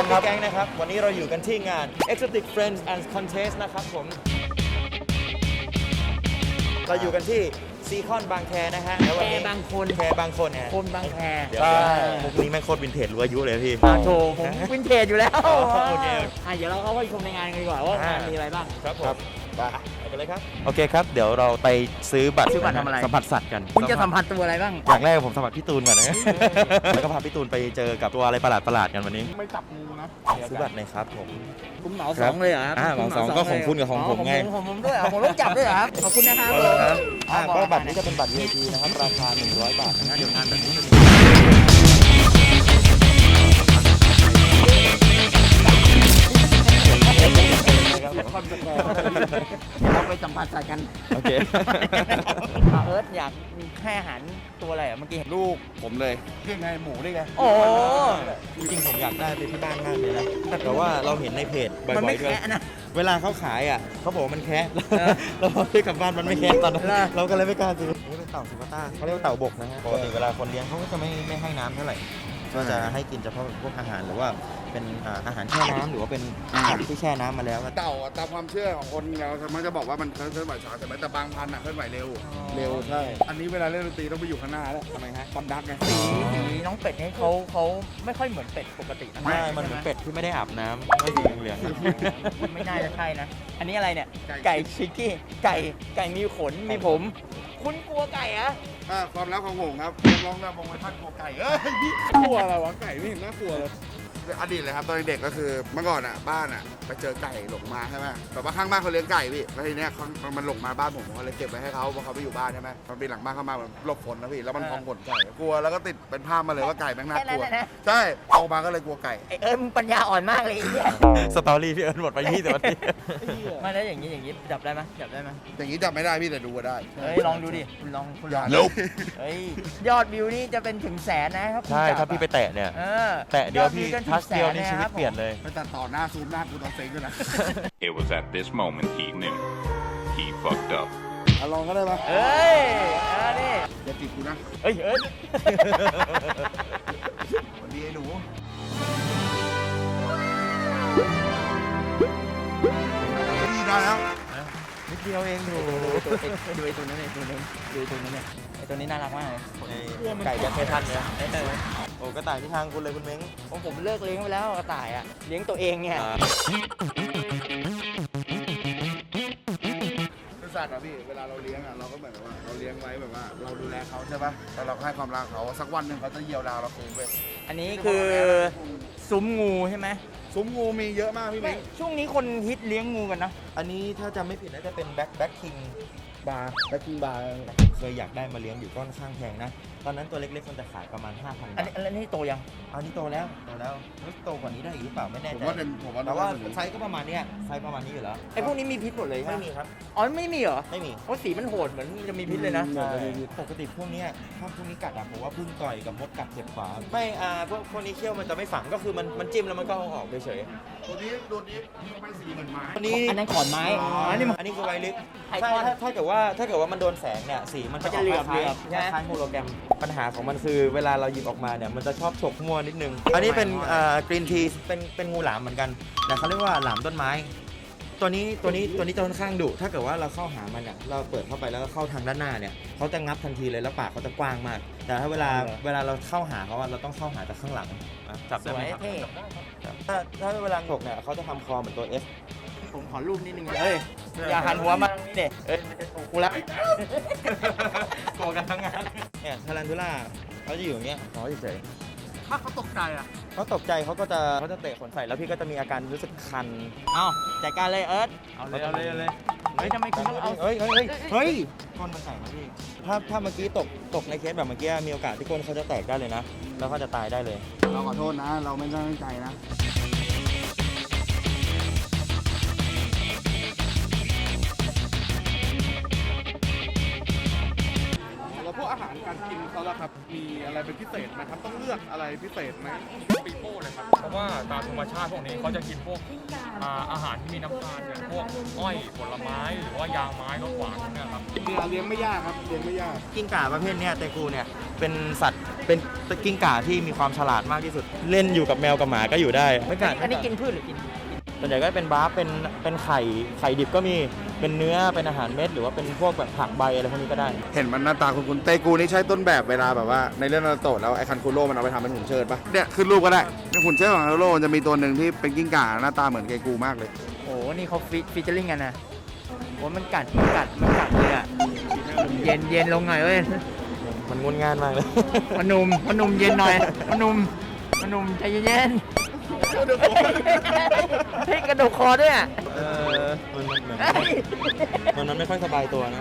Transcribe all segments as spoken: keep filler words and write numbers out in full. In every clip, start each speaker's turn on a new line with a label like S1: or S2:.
S1: ครับแก๊งนะครับวันนี้เราอยู่กันที่งาน Exotic Friends and Contest นะครับผมเราอยู่กันที่ซีคอนบางแคนะฮะแล้ววันนี้
S2: แคบางคน
S1: แคบางคนเนี่ย
S2: คนบางแค
S1: ใช่มุกนี้แม่งโคตรวินเทจรู้อายุเลยพี่
S2: มาโชว์ผมวินเทจอยู่แล้ว
S1: โอเค
S2: อ่ะเดี๋ยวเราเข้าไปชมในงานกันดีกว่าว่างานมีอะไรบ้าง
S1: ครับผมไปไปเลยครับโอเคครับเดี๋ยวเราไปซื้อบัตร
S2: ซื้อบัตรทำอะไร
S1: สัมผัสสัตว์กัน
S2: คุณจะสัมผัสตัวอะไรบ้าง
S1: อย่างแรกผมสัมผัสพี่ตูนก่อนนะแล้วก็พาพี่ตูนไปเจอกับตัวอะไรประหลาดประหลาดๆกันวันนี้
S3: ไม่จับงูนะ
S1: ซื้อบัตรหน่อยครับผม
S2: คุณเหมาสองเลยเหรอครับ
S1: อ่าเหมาสองก็ของคุณกับของผมไง
S2: ของผมด้วยเหรอผมต้องจับด้วยเหรอครับขอบคุณนะครับ
S1: เอาเลยครับ
S2: อ๋อ
S1: อ่า
S2: บอก
S1: ก็
S2: ราคา
S1: บัตรนี้จะเป็นบัตร วี ไอ พี นะครับราคาหนึ่งร้อยบาทนะเดี๋ยวงานแบบนี้จะมี
S2: เราไปสัมผัสสัตว์กัน
S1: โอเค
S2: อ่ะเอิร์ธอยากให้อาหารตัวอะไรอ่ะเมื่อกี้เห็น
S3: ลูกผมเลยเรียกไงหมูได้ไง
S2: โอ้
S1: จริงๆผมอยากได้ไปที่บ้านมากเลยนะแต่ว่าเราเห็นในเพจบ่
S2: มัน
S1: อ
S2: ไม่
S1: ยๆด้วย
S2: แคะนะ
S1: เวลาเขาขายอ่ะเขาบอกว่ามันแคะ
S2: เออ
S1: เราพอซื้อกลับบ้านมันไม่แคะตอนนั้น
S2: เหรอ
S1: เราก็เลยไม่กล้าซื้อนี่เป็นเต่าสุกาต้าเขาเรียกว่าเต่าบกนะฮะปกติเวลาคนเลี้ยงเขาก็จะไม่ไม่ให้น้ำเท่าไหร่ก็จะให้กินเฉพาะพวกอาหารหรือว่าเป็นอ่าอาหารแช่น้ำหรือว่าเป็นผักที่แช่น้ำมาแล้ว
S3: เต่าอะตามความเชื่อของคนเรามันจะบอกว่ามันเคลื่อนไหวช้าแต่ไม่แต่บางพันธุ์อะเคลื่อนไหวเร็ว เร็วใช่ อันนี้เวลาเล่นดนตรีต้องไปอยู่ข้างหน้าแล้วทำไมฮะคอนดักไง
S2: สีสีน้องเป็ดนี่เขาเขาไม่ค่อยเหมือนเป็ดปกตินะ
S1: ใช่มันเหมือนเป็ดที่ไม่ได้อาบน้ำไม่สีเหลืองๆ
S2: ไม่น่าจะใช่นะ อันนี้อะไรเนี่ย ไก่ชิกกี้ ไก่ ไก่มีขน มีผม คุณกลัวไก่อะ
S3: อ่าความลับของผมครับลองนำมองไปท่านกลัวไก่เอ้ยพี่กลัวอะไรวะไก่ไม่เห็นน่ากลัวเลยอดีตเลยครับตอนเด็กก็คือเมื่อก่อนอ่ะบ้านอ่ะไปเจอไก่หลงมาใช่ไหมแบบว่าข้างบ้านเขาเลี้ยงไก่พี่แล้วทีเนี้ยเขามันหลงมาบ้านผมผมก็เลยเก็บไว้ให้เขาเพราะเขาไปอยู่บ้านใช่ไหมมันเป็นหลังบ้านเข้ามาแบบหลบฝนนะพี่แล้วมันพองขนไก่กลัวแล้วก็ติดเป็นภาพมาเลยว่าไก่แม่งน่ากลัวใช่โตมาก็เลยกลัวไก่
S2: ไอเอิร์ธมึงปัญญาอ่อนมากเลยไอ้เนี่ย
S1: สตอรี่พี่เอิญหมดไปยี่สิบนาที
S2: มาแล้วอย่างนี้อย่างนี้จับได้ไหมจับได้ไหม
S3: อย่างนี้จับไม่ได้พี่แต่ดูก็ได้
S2: เฮ้ยลองดูดิ คุณลองคุณลอง
S3: Nope
S2: เฮ้ยยอดวิวนี่จะเป็นถึงแสนนะครับคุณ
S1: ใช่
S2: จับ
S1: ถ้าพี่ไปแตะเนี่ย
S2: เออ
S1: แตะเดียวพี่
S2: อจจนถึ
S1: ทั
S2: ง
S1: ช
S2: แส
S1: เดียวนี่
S2: ะ
S1: ชีวิต
S2: ครับ
S1: เปลี่ยนเลย
S3: ไปตัดต่อหน้าซูมหน้ากูตอนเซ็งด้วยนะ
S4: It was at this moment he knew. He fucked up.
S3: เอาลองก็ได้ปะ
S2: เอ้ยอ่านี่
S3: อย่าติดกูนะ
S2: เฮ้ยเอิร์ธ
S3: สวัสดีไอ้หนูนี่ได้แล้ว
S1: นิดเดียวเองดู
S2: ดูไอ้ตัวนั้นไอ้ตัวนั้นดูไอ้ตัวนั้นเนี่ยไอ้ตัวนี้น่ารักมากเลย
S1: ไก่ยัดเททันเนี่ยโอ้กระต่ายที่ทางคุณเลยคุณเม้ง
S2: ผมผมเลิกเลี้ยงไปแล้วกระต่ายอ่ะเลี้ยงตัวเองเนี่ย
S3: คือสัตว์อะพี่เวลาเราเลี้ยงอะเราก็เหมือนกับว่าเราเลี้ยงไว้แบบว่า เราดูแลเขาใช่ปะแล้วเราก็ให้ความรักเขาสักวันหนึ่งเขาจะเยียวยาเราคืนเว้ย
S2: อันนี้คือซุ้มงูใช่ไหม
S3: ซุ้มงูมีเยอะมากพี่
S2: ไม่
S3: มิ้ง
S2: ช่วงนี้คนฮิตเลี้ยงงูกันนะ
S1: อันนี้ถ้าจำไม่ผิดน่าจะเป็นแบ็คแบ็คคิง
S3: บาร์แบ็คกิ้งบาร์
S1: เคยอยากได้มาเลี้ยงอยู่ก็ค่อนข้างแพงนะ ตอนนั้นตัวเล็กๆมันจะขายประมาณ ห้าพัน
S2: อัน
S1: บาท
S2: นี้อันนี้โตยัง
S1: อันนี้โตแล้วโตแล้วแล้วโตกว่านี้ได้อีกหรือเปล่าไม่แน่
S3: ผม
S1: ใจ
S3: ว่าเป็นผมว่า
S1: แต่ว่า
S3: เป็น
S1: ไซส์ก็ประมาณเนี้ยไซส์ประมาณนี้อยู่แล้ว
S2: ไอ้พวกนี้มีพิษหมดเลยใช่ไห
S1: ไม่มีครับ
S2: อ๋อไม่มีเหรอ
S1: ไม่มี
S2: เพราะสีมันโหดเหมือนจะมีพิษเลยนะ
S1: ใช่ปกติพวกเนี้ยถ้าพวกนี้กัดอะผมว่าพึ่งต่อยกับมดกัดเจ็บกว่าไม่อ่าพวกพวกนี้เขี้ยวมันจะไม่ฝังก็คือมันมันจิ้มแล้วมันก็เอาออกเฉย
S3: ตัวนี้ตัวนี้มันเป็นสีเหมือนไม้
S1: ๆอันนี้
S2: อันนั้นขอนไม้
S1: อ๋อ
S2: อั
S1: อั
S2: น
S1: น
S2: นี้
S1: นี้
S2: มัน
S1: อันนี้คือไวลิส
S2: ไอ
S1: ใช่
S2: คอน
S1: ถ้าถ้าเกิดว่าถ้าเกิดว่ามันโดนแสงเนี่ยสีมัน
S2: มันจะเหลือบ
S1: คล้าย
S2: เหลือบ
S1: ๆ
S2: ใช่ไหม
S1: คล้ายๆโฮโลแกรมปัญหาของมันคือเวลาเราหยิบออกมาเนี่ยมันจะชอบฉกมั่วนิดนึง อันนี้เป็นอ่ากรีนทีเป็นเป็นงูหลามเหมือนกันแต่เขาเรียกว่าหลามต้นไม้ ตัวนี้ตัวนี้ตัวนี้จะค่อนข้างดุถ้าเกิดว่าเราเข้าหามันเนี่ยเราเปิดเข้าไปแล้วก็เข้าทางด้านหน้าเนี่ยเขาจะงับทันทีเลยแล้วปากเขาจะกว้างมาก แต่ถ้าเวลาเวลาเราเข้าหาเขาอะเราต้องเข้าหาจากข้างหลังอ่ะจับ
S2: ส
S1: ได้
S2: ว
S1: ไหม
S2: ย
S1: ครับ
S2: เท่
S1: ครับถ้าถ้าเวลาฉกเนี่ยเขาจะทำคอเหมือนตัว F
S2: ผมขอรูปนิดนึงเอ้ยอย่าหันหัวมาตรงนี้เด็เอ้ยมันจะถูกกูละ
S1: โกกันทั้งงานเนี่ยทารันทูล่าเขาจะอยู่อย่างเงี้ยเขาเฉย
S3: ถ้าเขาตกใจอะ
S1: ๆเขาตกใจเขาก็จะเขาจะเตะขนใส่แล้วพี่ก็จะมีอาการรู้สึกคัน
S2: เอาจัดการเลยเอิร์ธเอาเลยเอาเลยเอาเลยเฮ้ยทำไมคุณต้องเอา
S1: เฮ้ยเฮ้ยเฮ้ยเฮ้ยก้นมันแตกนะพี่ถ้าถ้าเมื่อกี้ตกตกในเคสแบบเมื่อกี้มีโอกาสที่ก้นเขาจะแตกได้เลยนะแล้วเขาจะตายได้เลย
S3: เราขอโทษนะ เราไม่ได้ตั้งใจนะแล้วพวกอาหารการกินเขาล่ะครับ มีอะไรเป็นพิเศษไหมครับ ต้องเลือกอะไรพิเศษไหม
S5: ปีโป้เลยครับ เพราะว่าตามธรรมชาติพวกนี้เขาจะกินพวกอ่าอาหารที่มีน้ำตาลอย่างพวกอ้อยผลไม้หรือว่ายางไม้รสหวานพวกเนี้ยครับ
S3: เลี้ยงไม่ยากครับเลี้ยงไม่ยาก
S1: กิ้งก่าประเภทเนี้ยเตกูเนี่ยเป็นสัตว์เป็นกิ้งก่าที่มีความฉลาดมากที่สุด เล่นอยู่กับแมวกับหมาก็อยู่ได้ไม่กัด
S2: อันนี้กินพืชหรือกิน
S1: ส่วนใหญ่ก็เป็นบาร์ฟเป็นเป็นไข่ไข่ดิบก็มีเป็นเนื้อเป็นอาหารเม็ดหรือว่าเป็นพวกแบบผักใบอะไรพวกนี้ก็ได้
S3: เห็นมันหน้าตาคุณคุณเตกูนี่ใช้ต้นแบบเวลาแบบว่าในเรื่องนารูโตะแล้วไอ้คันคุโร่มันเอาไปทำเป็นหุ่นเชิดปะเนี่ยขึ้นรูปก็ได้ในหุ่นเชิดของนารูโตะมันจะมีตัวหนึ่งที่เป็นกิ้งก่าหน้าตาเหมือนเกกูมากเลย
S2: โอ้โหนี่เขาฟิฟิชเจอริ่งกันนะโอ้มันกัดมันกัดมันกัดเลยอ่ะเย็นเย็นลงหน่อยเว้ย
S1: มันงุนงานมากเลย
S2: พนุ่มพนุ่มเย็นหน่อยพนุ่มพนุ่มใจเย็นๆเฮ้ยกระดูกคอด้วยอ่ะ
S1: เออมันมันเหมือนมันมันไม่ค่อยสบายตัวนะ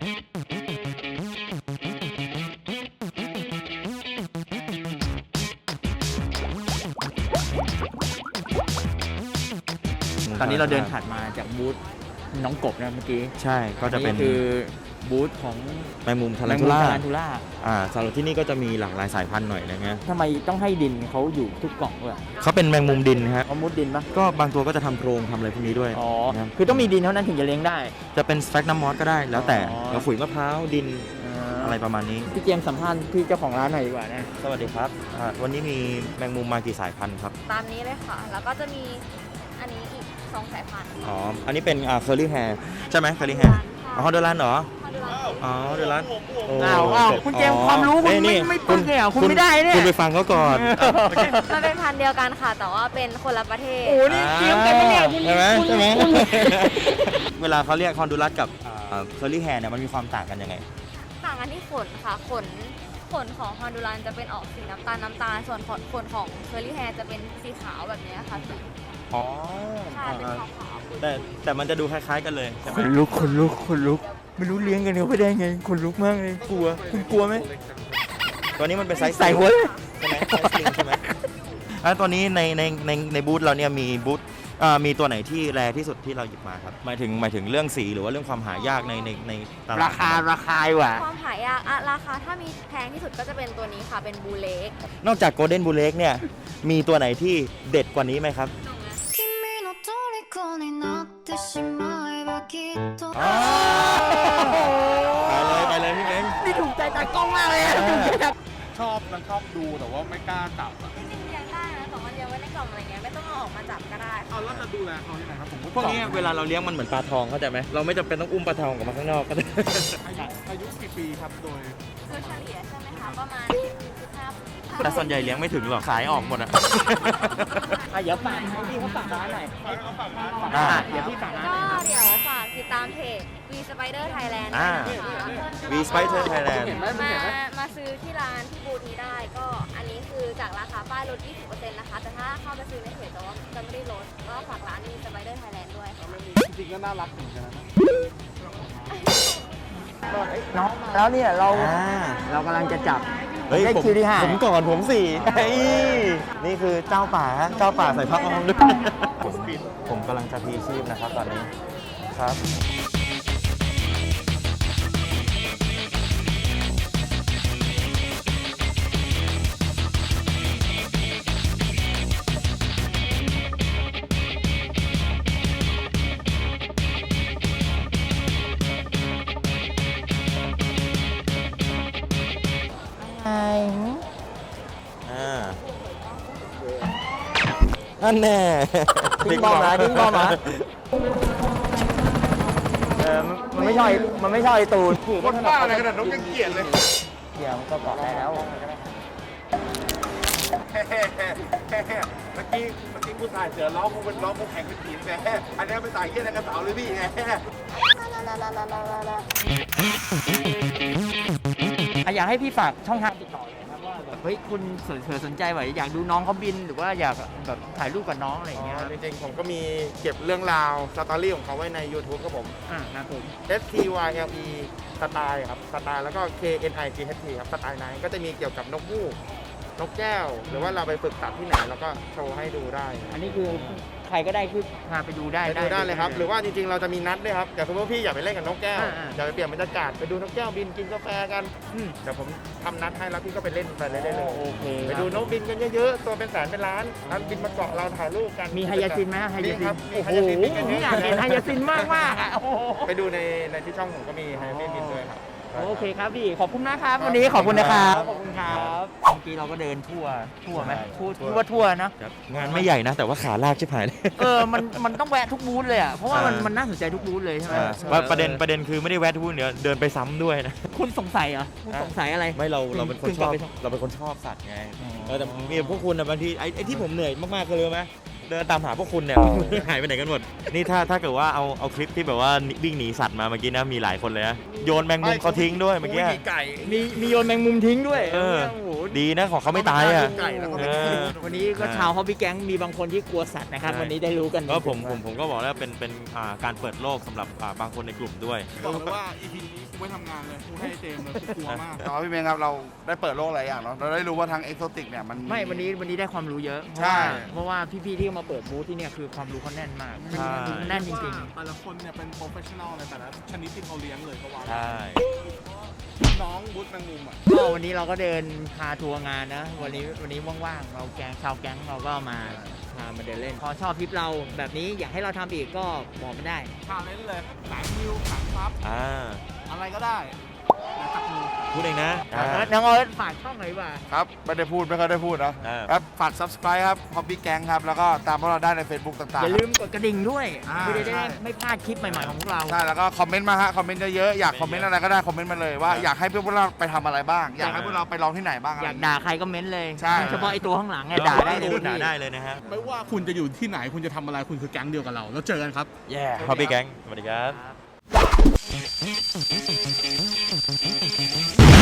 S2: ตอนนี้เราเดินถัดมาจากบูธน้องกบนะเมื่อกี้
S1: ใช่ก็จะเป็น
S2: คือบูธของ
S1: แมงมุมทา
S2: แม
S1: รัน
S2: ง
S1: ทู
S2: มุม
S1: ล่า
S2: ทารันทูล่า
S1: อ่าสำหรับที่นี่ก็จะมีหลากหลายสายพันธุ์หน่อยนะฮะ
S2: ทำไมต้องให้ดินเขาอยู่ทุกกล่องด้วย
S1: เขาเป็นแมงมุมดินฮะ
S2: เขามุดดินปะ
S1: ก็บางตัวก็จะทำโพรงทำอะไรพวกนี้ด้วย
S2: อ๋อ
S1: นะครับ
S2: คือต้องมีดินเท่านั้นถึงจะเลี้ยงได้
S1: จะเป็นสแฟกน้ำมอสก็ได้แล้วแต่
S2: อ๋อ
S1: เราขุยมะพร้าวดิน
S2: อ่
S1: อะไรประมาณนี้
S2: พี่เจมส์สัมภาษณ์พี่เจ้าของร้านหน่อยดีกว่านะ
S1: สวัสดีครับอ่าวันนี้มีแมงมุมมากี่สายพันธุ์ครับ
S6: ตามนี้เลยค่ะ แล้วก็จะมีอันนี้อีกสองสายพันธุ์
S1: อ๋ออันนี้เป็นอ่าเคอร์ลี่แฮร์ใช่ไหมเคอร์ลี่แฮร์อ๋อฮอนเดอรันเหรอ
S6: มาดูร้าน
S1: อ๋อเดอรันโ
S2: อ้าวอ้าวคุณเจมส์ความรู้คุณ
S1: เอ้ย
S2: ไม่
S1: นี่
S2: ไม่ปึ๊กเลยเหรอคุณไม่ได้เนี่ย
S1: คุณไปฟังเขาก่อน
S6: มันเป็นพันธุ์เดียวกันค่ะ แต่ว่าเป็นคนละประเทศ
S2: โอ้นี่เตรียมกันปะเนี่ยคุณ
S1: ใช่ไหม
S2: คุณ
S1: ใช่ไหม
S2: คุณ
S1: เวลาเขาเรียกฮอนดูรัสกับเคอร์ลี่แฮร์เนี่ยมันมีความต่างกันยังไง
S6: ต่างกันที่ขนค่ะ ขน ขนของฮอนดูรันจะเป็นออกสีน้ำตาลน้ำตาล ส่วนขนของเคอร์ลี่แฮร์จะเป็นสีขาวแบบนี้ค่ะสี
S1: อ๋อ
S6: ใช่เป็นขาวขาว
S1: แต่แต่มันจะดูคล้ายๆกันเลยใช่ไห
S2: ข
S1: ม
S2: นลุกขนลุกขนลุกไม่รู้เลี้ยงกันเขาไปได้ไงขนลุกมากเลยกลัวคุณกลัวไหม
S1: ตัวนี้มันเป็นไซส์
S2: ใส่หัวเลย
S1: ใช่ไหมไซส์ลิงใช่ไหมแล้วตัวนี้ในในในในบูธเราเนี่ยมีบูธอ่ามีตัวไหนที่แรที่สุดที่เราหยิบมาครับหมายถึงหมายถึงเรื่องสีหรือว่าเรื่องความหายากในในในตลาด
S2: ราคาราคาดีกว่า
S6: ความหายากอะราคาถ้ามีแพงที่สุดก็จะเป็นตัวนี้ค่ะ เป็นบูเล็ก
S1: นอกจากโกลเด้นบูเล็กเนี่ยมีตัวไหนที่เด็ดกว่านี้ไหมครับ
S7: 君の虜になってしまえばきっと
S1: ไปเลยไปเลยพี่เม้ง
S2: นี่ถูกใจตากล้องมากเลยอะถูกใจตา
S3: ชอบมันชอบดูแต่ว่าไม่กล้าจับอะ
S6: จริงๆเลี้ยงได้นะแต่ว่าเลี้ยงไว้ในกล่องอะไรเงี้ยไม่ต้องเอาออกมาจับก็ได้
S3: เอาแล้วจะดูแลเขายังไงครับผม
S1: พวกนี้เวลาเราเลี้ยงมันเหมือนปลาทองเข้าใจไหมเราไม่จำเป็นต้องอุ้มปลาทองออกมาข้างนอกก็ได้
S3: อายุกี่ปีครับโดย
S6: โดยเฉลี่ยใช่ไหมคะ ประมาณสิบห้าปี
S1: แต่ส่วนใหญ่เลี้ยงไม่ถึงหรอกขายออกหมดอะ
S2: อ่ะเดี๋ยวฝากให้พี่เขาฝากร้านหน่อย
S1: อ่า
S2: อ่ะเดี๋ยวพี่ฝากร้านห
S6: ก็
S2: น่อย
S6: เดี๋ยวฝากติดตามเพจ V Spider Thailand
S1: อ่า V Spider Thailand
S6: มามาซื้อที่ร้านที่บูธนี้ได้ก็อันนี้คือจากราคาป้ายลด ยี่สิบเปอร์เซ็นต์ นะคะ แต่ถ้าเข้าไปซื้อในเพจจะว่าจะไม่ได้ลดก็ฝากร้าน V Spider Thailand ด้วยค่ะ
S3: จริงๆก็น่ารักเหมือนกันนะ
S2: น้องมาแล้วเนี่ยเรา
S1: อ่า
S2: เรากำลังจะจับ
S1: เฮ้ย
S2: ได้
S1: ผม
S2: คิวที่ห้า
S1: ผมก่อนผมสี่เฮ้ยนี่คือเจ้าป่าฮะเจ้าป่าใส่พักออมด้วยผมผมกำลังจะพีชีพนะครับตอนนี้ครับอ่านั่นแน่
S2: ทิ้งบอมนะทิ้งบอมนะเออมันไม่ใช่มันไม่ใช่ไอ้ตูน
S3: คนบ้าอะไรขนาดนกยังเกลียดเลย
S2: เดี๋ยวมันก็เกาะได้แล้ว
S3: เมื่อกี้เมื่อกี้กูถ่ายเสือร้องกูเป็นร้องกูแข่งเป็นทีมแหมอันนี้เป็นสายเยี่ยนกระเสาเลยพี่ไง
S2: อ่ะอยากให้พี่ฝากช่องทางติดต่อเลยนะครับว่าแบบเฮ้ยคุณสนเผื่อสนใจแบบอยากดูน้องเขาบิน หรือว่าอยากแบบถ่ายรูปกับน้องอะไรอย่างเงี้ย
S3: จริงๆผมก็มีเก็บเรื่องราวสตอรี่ของเขาไว้ใน YouTube ครับผม
S2: อ่าครับผม
S3: S T Y L E สไตล์ครับสไตล์แล้วก็ K N I G H T ครับสไตล์ไนท์ก็จะมีเกี่ยวกับนกฮูกนกแก้ว หรือว่าเราไปฝึกตัดที่ไหนเราก็โชว์ให้ดูได้
S2: อันนี้คือใครก็ได้คือพาไปดูได้
S3: ไปดูได้เลยครับ หรือว่าจริงๆเราจะมีนัดด้วยครับอย่างสมมติว่าพี่อยากไปเล่นกับนกแก้ว
S2: อ่าๆ
S3: อยากไปเปลี่ยนบรรยากาศไปดูนกแก้วบินกินกาแฟกัน
S2: อืม
S3: เดี๋ยวผมทำนัดให้แล้วพี่ก็ไปเล่นไปเลยได้เลย
S2: โอเค
S3: ไปดูนกบินกันเยอะๆตัวเป็นแสนเป็นล้านนั้นบินมาเกาะเราถ่ายรูปกัน
S2: มีไฮยาซินไหมไฮยาซิ
S3: มีครับ
S2: น
S3: มี
S2: โอ้
S3: ไฮ
S2: โห
S3: ยาซินบินกันเยอะ
S2: อยากเห็นไฮยาซินมากมากๆอ่ะโอ้โห
S3: ไปดูในในที่ช่องผมก็มีไฮยาซินบินด้วยครับ
S2: โอเคครับพี่ขอบคุณมากครับวันนี้ขอบคุณนะครับขอบคุณครับเมื่อกี้เราก็เดินทั่วทั่วไหมทั่วทั่วทั่วเนอะ
S1: งานไม่ใหญ่นะ แต่ว่าขาลากชิบหายเลย
S2: เออมันมันต้องแวะทุกบูธเลยอ่ะเพราะว่ามัน
S1: อ่ามั
S2: มันน่าสนใจทุกบูธเลยใช่ไหม
S1: ว่าประเด็นประเด็นคือไม่ได้แวะทุกเดี๋ยวเดินไปซ้ำด้วยนะ
S2: คุณสงสัยเหรอคุณสงสัยอะไร
S1: ไม่เราเราเป็นคน
S2: คุณ
S1: ชอบ
S2: กลับไป
S1: เราเป็นคนชอบสัตว์ไง
S2: อ๋อ
S1: เออแต่มีพวกคุณนะบางทีไอ้ไอ้ที่ผมเหนื่อยมากๆก็เลยไหมเดินตามหาพวกคุณเนี่ย หายไปไหนกันหมดนี่ถ้าถ้าเกิดว่าเอาเอาคลิปที่แบบว่าวิ่งหนีสัตว์มาเมื่อกี้นะมีหลายคนเลยนะโยนแมงมุมเขาทิ้งด้วยเมื่อกี้
S3: ไก่
S2: มีมีโยนแมงมุมทิ้งด้วย
S1: เออ
S2: โอ้โห
S1: ดีนะของเขาไม่ตายอ่ะ
S3: ไก่แล้วก็ไม่
S1: เอ
S3: กิน
S1: อ
S2: วันนี้ก็ชาวฮอบบี้แก๊งมีบางคนที่กลัวสัตว์นะครับ
S1: ใช่
S2: วันนี้ได้รู้กัน
S1: ก็ผมผมผมก็บอกแล้วเป็นเป็นอ่าการเปิดโลกสำหรับอ่าบางคนในกลุ่มด้วย
S3: บอกเลยว่า อี พี นี้กูไม่ทำงานเลยกูให้เจมส์เลยกูกลัวมากแต่ว่าพี่เมย์ครับเราได้เปิดโลกหลายอย่างเนาะเราได้รู้ว่าทางเอ็กโซติกเนี่ยมัน
S2: ไม่วันนี้วันนี้ได้ความรู้เยอะ
S3: ใช่
S2: เพราะว่าเพราะว่าพี่ๆที่มาเปิดบูธที่เนี่ยคือความรู้เขาแน่นมาก
S1: ใช่
S2: แน่นจริง
S8: แต่ละคนเนี่ยเป็นโปรเฟชชั่นอลในแต่ละชนิดที่เขาเลี้ยงเลยก็ว่า
S1: ใช่
S8: น้องบุ๊ธแมงมุมอ่ะ
S2: ๆก็วันนี้เราก็เดินพาทัวร์งานนะวันนี้วันนี้ว่างๆเราแก๊งชาวแก๊งเราก็มาพามาเดินเล่นพอชอบทริปเราแบบนี้อยากให้เราทำอีกก็บอกมาได้
S8: ชาเลนจ์เลยสายมิวสายซับ
S1: อ่า
S8: อะไรก็ได้แล้วตักมือ
S1: พูดเองนะอ่า
S2: น้องเอิร์ธฝากช่องหน่อยดีกว่า
S3: ครับไม่ได้พูดไม่ค่อยได้พูดนะ
S1: อ่า
S3: ครับฝาก subscribe ครับ Hobby Gang ครับ แล้วก็ตามพวกเราได้ใน Facebook ต่าง
S2: อย่า
S3: ๆ
S2: ลืมกดกระดิ่งด้วย
S3: อ่า
S2: เพื่อจะ
S3: ใช่
S2: ได้ไม่พลาดคลิปใหม่ๆของพวกเรา
S3: ใช่แล้วก็คอมเมนต์มาฮะคอมเมนต์เยอะๆอยากคอมเมนต์อะไรก็ได้คอมเมนต์มาเลยว่าอยากให้พวกเราไปทำอะไรบ้าง อยากให้พวกเราไปลองที่ไหนบ้าง
S2: อยากด่าใครก็เม้นเลย
S3: ใช่
S2: เฉพาะไอตัวข้างหลังไงด่าได้เลย
S1: พูดด่า
S2: พี่
S1: ได้เลยนะฮะ
S8: ไม่ว่าคุณจะอยู่ที่ไหนคุณจะทำอะไรคุณคือแก๊งเดียวกับเรา แล้วเจอกันครับ
S1: แย่ฮอบบี้แก๊งสวัสดีครับ
S2: ครับ